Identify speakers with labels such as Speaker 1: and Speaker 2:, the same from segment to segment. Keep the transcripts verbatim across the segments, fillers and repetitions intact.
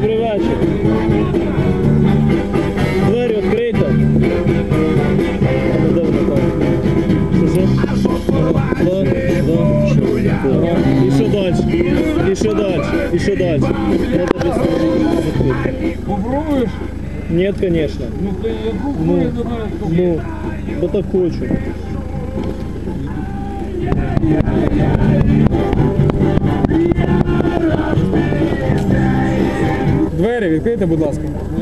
Speaker 1: Добрий вечір. Двері відкрийте. Де вона там? Що це? І що далі? І що далі? І що далі?
Speaker 2: Попробуєш?
Speaker 1: Ні, звісно.
Speaker 2: Ну ти яку
Speaker 1: Ну,
Speaker 2: хуйню до мене скажи?
Speaker 1: ну, бо так хочу.
Speaker 3: Двері відкрийте, будь ласка.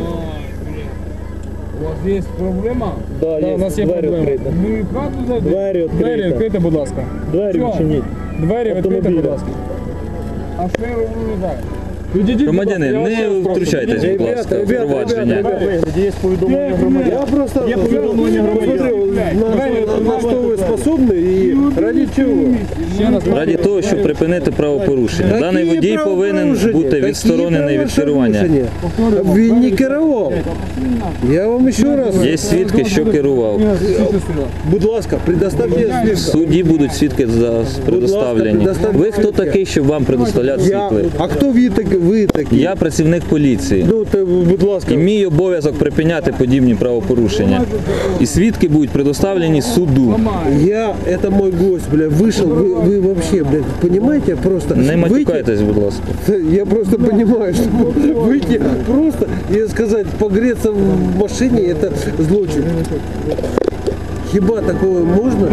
Speaker 2: У вас є проблема?
Speaker 1: Да,
Speaker 3: Да, у нас є
Speaker 1: двері
Speaker 3: проблема.
Speaker 1: відкрийте.
Speaker 2: Ну і хату зайди.
Speaker 1: Двері
Speaker 3: Двері
Speaker 1: відкрийте.
Speaker 3: відкрийте, будь ласка.
Speaker 1: Двері
Speaker 2: Що?
Speaker 1: відчиніть.
Speaker 3: Двері відкрийте,
Speaker 1: Автомобіля.
Speaker 3: будь ласка.
Speaker 2: А що я роблю не так?
Speaker 3: Відійдіть, будь
Speaker 4: Громадянин,
Speaker 3: ласка, я вас
Speaker 4: не
Speaker 3: прошу.
Speaker 4: втручайтесь, будь
Speaker 3: Ребята,
Speaker 4: ласка, в
Speaker 3: ребята,
Speaker 4: провадження.
Speaker 3: ребята, ребята.
Speaker 1: Є повідомлення громадян.
Speaker 5: Я просто
Speaker 1: Є повідомлення громадян.
Speaker 5: посмотрел, на, на что вы способны и ради чего.
Speaker 3: Ще раз.
Speaker 4: Раді того, щоб припинити правопорушення. Даний водій повинен бути відсторонений від керування.
Speaker 5: Він не керував. Я вам ще раз.
Speaker 4: Є свідки, що керував.
Speaker 5: Будь ласка, предоставьте
Speaker 4: В
Speaker 5: свідка.
Speaker 4: суді будуть свідки за- предоставлені. Ви хто такий, щоб вам предоставляти
Speaker 5: Я,
Speaker 4: свідки?
Speaker 5: а хто ви, так, ви такі?
Speaker 4: Я працівник поліції.
Speaker 5: Ну, то, будь ласка.
Speaker 4: І мій обов'язок припиняти подібні правопорушення. І свідки будуть предоставлені суду.
Speaker 5: Я, это мой гость, бля, вышел, вы, вы вообще, блядь, понимаете, просто...
Speaker 4: Не
Speaker 5: выйти-
Speaker 4: матюкайтесь, будь ласка.
Speaker 5: Я просто понимаю, что выйти просто и сказать, погреться в машине, это злочин. Хіба такого можно?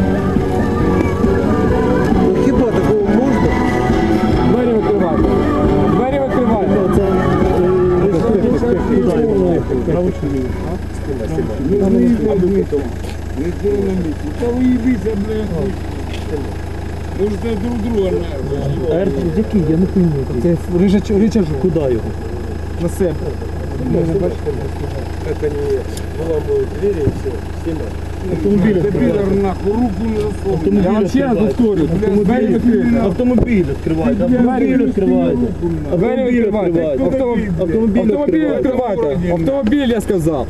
Speaker 5: Ну, хіба такого можно?
Speaker 3: Двері відкривайте. Двері відкривайте.
Speaker 2: Та ви їбіться, блядь. Можете друг друга нахуй.
Speaker 1: Який? Я не пойму.
Speaker 3: Це ричажок.
Speaker 1: Куди його?
Speaker 3: На себе.
Speaker 5: Как они выламывают двери и все, снимают.
Speaker 1: Автомобіль
Speaker 2: Ти
Speaker 1: відкривайте.
Speaker 2: підар нахуй, руку не засовуй.
Speaker 3: Я вам ще раз повторю. Двері відкрийте.
Speaker 1: Автомобіль відкривайте. Автомобіль відкривайте.
Speaker 3: Двері відкривайте.
Speaker 1: Автомобіль
Speaker 3: Автомобіль
Speaker 1: відкривайте.
Speaker 3: відкривайте. Автомобіль, я сказав.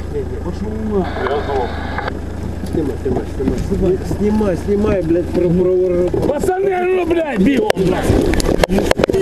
Speaker 5: Снимай, снимай, снимай. Снимай, снимай, блядь, про, про, про,
Speaker 3: Пацани, ну, блядь, бігом, блядь.